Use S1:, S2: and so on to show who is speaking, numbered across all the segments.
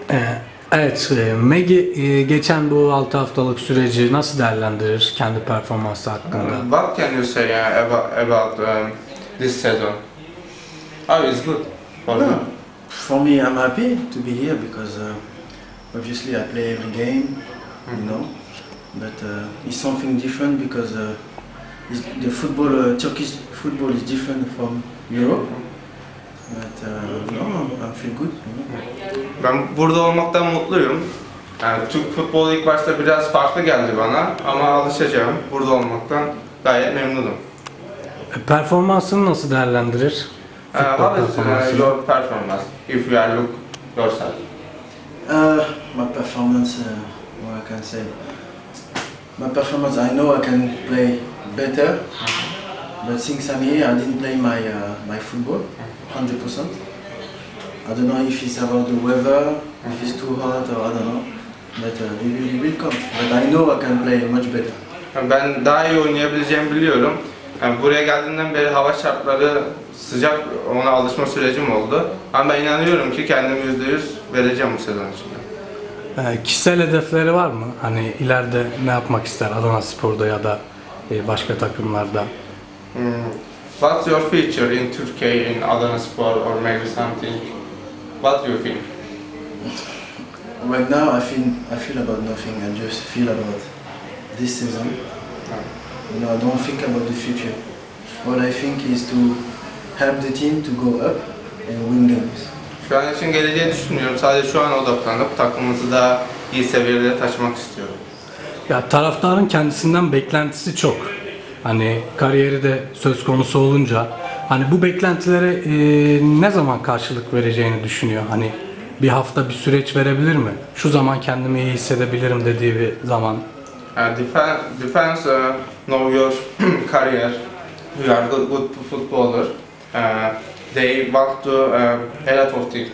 S1: Ee, Evet, Maggie geçen bu 6 haftalık süreci nasıl değerlendirir kendi performansı hakkında?
S2: What can you say about this season? Oh, it's good for me.
S3: No, for me, I'm happy to be here because obviously I play every game, you know. But it's something different because the football, Turkish football is different from Europe. But no, I feel good. You know.
S2: Ben burada olmaktan mutluyum. Yani Türk futbolu ilk başta biraz farklı geldi bana ama alışacağım. Burada olmaktan gayet memnunum.
S1: Performansını nasıl değerlendirir? Futbol
S2: What is
S1: performansını.
S2: your performance if you are look yourself?
S3: My performance, what I can say. My performance, I know I can play better. But since I'm here, I didn't play my football 100%. I don't know if it's about the weather, if it's too hot, or I don't know. But it will come. But I know I can play much better.
S2: Ben daha iyi oynayabileceğimi biliyorum. Yani buraya geldiğimden beri hava şartları sıcak, ona alışma sürecim oldu. Ama ben inanıyorum ki kendimi %100 vereceğim bu sezon içinde.
S1: Kişisel hedefleri var mı? Hani ileride ne yapmak ister Adanaspor'da ya da başka takımlarda?
S2: What's your future in Turkey, in Adanaspor, or maybe something? What do you think?
S3: Right now, I feel about nothing. I just feel about this season. You know, I don't think about the future. What I think is to help the team to go up and win games.
S2: Şu an için geleceği düşünmüyorum. Sadece şu an odaklanıp takımımızı daha iyi seviyelere taşımak istiyorum.
S1: Ya taraftarın kendisinden beklentisi çok. Hani kariyeri de söz konusu olunca hani bu beklentilere ne zaman karşılık vereceğini düşünüyor. Hani bir hafta bir süreç verebilir mi? Şu zaman kendimi iyi hissedebilirim dediği bir zaman.
S2: Defense know your career. You are good footballer. They want to a lot of things.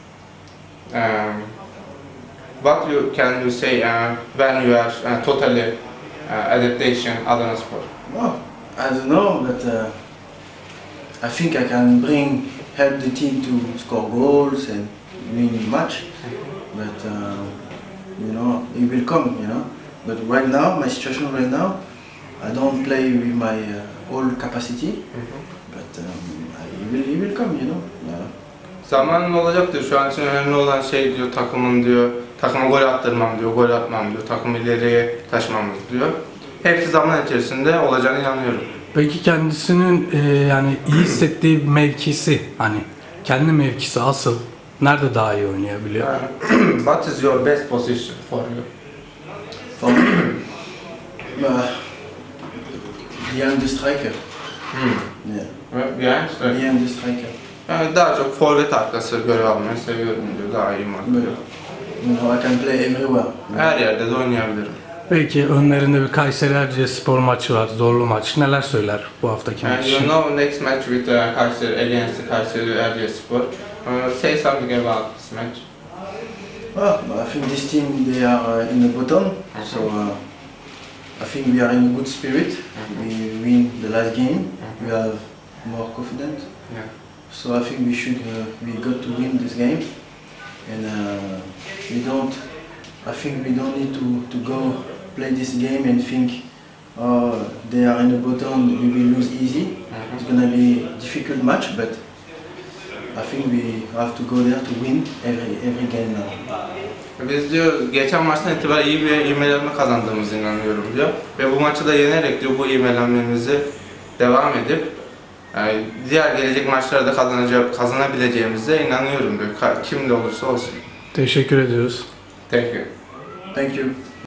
S2: What can you say when you are totally adaptation Adanaspor?
S3: Well, I don't know, but I think I can help the team to score goals and win match. But you know, it will come, you know. But right now, my situation right now, I don't play with my whole capacity. But it will come, you know.
S2: Zamanın olacaktır. Şu an için önemli olan şey diyor takımın diyor. Takıma gol attırmam diyor, gol atmam diyor. Takımı ileriye taşımamız diyor. Hepsi zaman içerisinde olacağına inanıyorum.
S1: Peki kendisinin yani iyi hissettiği mevkisi hani kendi mevkisi asıl nerede daha iyi oynayabiliyor?
S2: What is your best position for you?
S3: For me, behind the striker. Yeah.
S2: Yani,
S3: Behind the striker.
S2: yani daha çok forvet arkası görev almayı seviyorum diyor. Daha iyi maç diyor.
S3: You know, I can play everywhere.
S2: Her yerde de oynayabilirim.
S1: Belki önlerinde bir Kayseri Erciyesspor maçı var, zorlu maç. Neler söyler bu haftaki maç
S2: And
S1: için?
S2: you know next match with Kayseri against Kayseri Erciyesspor. Say something about this match.
S3: Well, I think this team, they are in the bottom, so I think we are in a good spirit. We win the last game, we have more confidence.
S2: Yeah.
S3: So I think we got to win this game, and I think we don't need to go play this game and think, oh, they are in the bottom, we will lose easy. It's gonna be a difficult match, but I think we have to go there to win every game now.
S2: Biz diyor geçen maçtan itibaren iyi bir ivmelenme kazandığımızı inanıyorum diyor. Ve bu maçı da yenerek diyor bu ivmelenmemizi devam edip diğer gelecek maçlarda da kazanabileceğimize inanıyorum diyor. Kim de olursa olsun.
S1: Teşekkür ediyoruz.
S2: Thank you.
S3: Thank you.